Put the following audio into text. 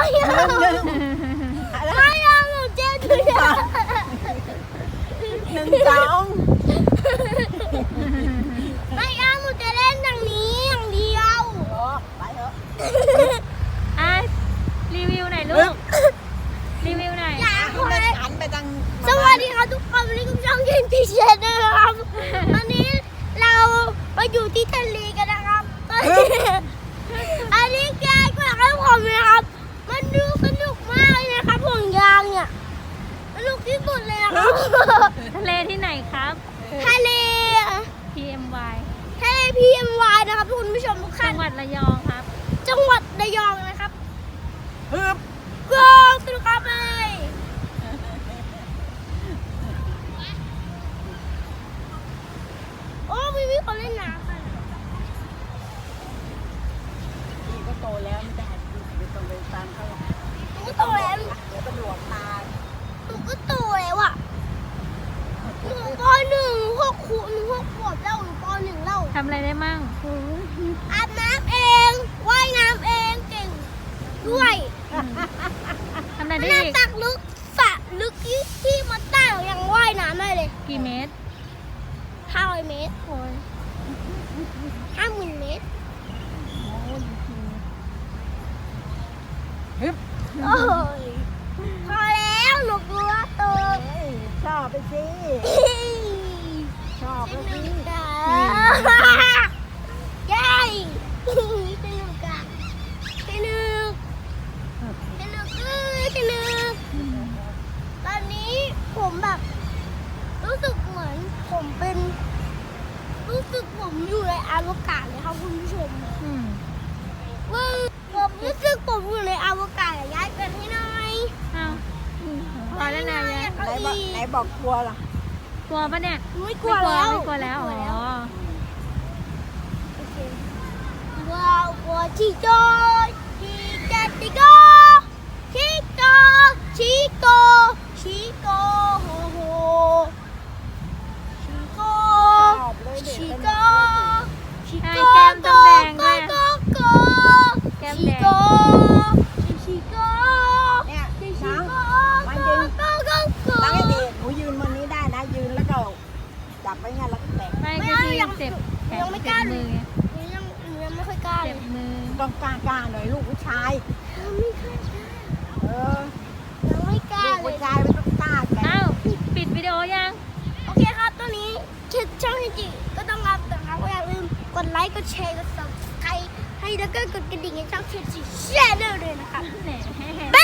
ไม่เอาหนูเจ๊ดูอย่า 1 2 ไม่เอาหนูจะเล่นอย่างนี้อย่างเดียวไปเถอะอ่ะรีวิวหน่อยลูกรีวิวหน่อยอยากคุณให้ได้หันไปทางสวัสดีครับทุกคนวันนี้คุณช่องยินดีเชนนะครับวันนี้เราไปอยู่ที่ทะเลกันนะครับอันนี้แกก็อยากให้ผมนะครับมันดูสนุกมากเลยนะครับห่วงยางเนี่ยสนุกที่สุดเลยนะครับทะเลที่ไหนครับทะเล PMY ทะเล PMY นะครับคุณผู้ชมทุกจัท่านงหวัดระยองครับจังหวัดระยองนะครับฮึบก็สนุกครับเลยโอ้มีคนเล่นน้ำกันพี่ก็โตแล้วไม่ได้ไม่ต้องไปตามเขาหรอกหนูก็โตแล้วเดี๋ยวตำรวจมาหนูก็โตแล้วอ่ะหนูปหนึ่งหกขวบหนู6 ขวบแล้วหนูปหนึ่งแล้วทำอะไรได้มั่งอาบน้ำเองว่ายน้ำเองเก่งด้วยทำอะไรได้น้ำอีกตักลึกสระลึกที่มันใต้ยังว่ายน้ำได้เลยกี่เมตร 500 เมตรโอ้ย 50,000 เมตรฮึบโอ้ยพอแล้วหนูกลัวโตเฮ้ยชอบไปสิชอบไปสสินุกอ่ะเย้สนุกอ่ะสนุกสนุกสนุกตอนนี้ผมแบบรู้สึกเหมือนผมเป็นรู้สึกผมอยู่ในอวกาศเลยครับคุณผู้ชมอืมว่าผมรู้สึกผมอยู่ในอวกาศย้ายกันให้หน่อยเอาพอแล้วนะยายไหนบอกกลัวล่ะกลัวปะเนี่ยไม่กลัวแล้วไม่กลัวแล้วไม่กลัวอ๋อโอเคว้าวกลัวชิโกชิกาชิโกชิโกชิโกชิโกโฮโฮชิโกชอบเลยเด็กชิเป็นโกชิใช่โกแก้มต้องแดงด้วยโกโกแก้มชิแดงโกชิโกเนี่ยชิน้องโกมันยืนโกโกโกตั้งให้ดีหนูยืนบนนี้ได้นะยืนแล้วก็จับไว้งั้นแล้วก็แตะไม่ไม่ก็เอาที่ยังเจ็บแขนยังไม่กเจ็ล้าบมือไงหนูยังไม่ค่อยกล้าเลเจ็ยบมือต้องกล้าหน่อยลูกผู้ชายไม่ค่อยกล้าเออยังไม่กล้าลูกเลผู้ยชายไม่ต้องกล้าแกอ้าวปิดวิดีโอยังโอเคครับตอนนี้ช่องจิก็ต้องรับแต่ครับอย่าลืมกดไลค์กดแชร์กด subscribe ให้แล้วก็กดกระดิ่งให้ช่องจิแชร์ด้วยนะครับแหม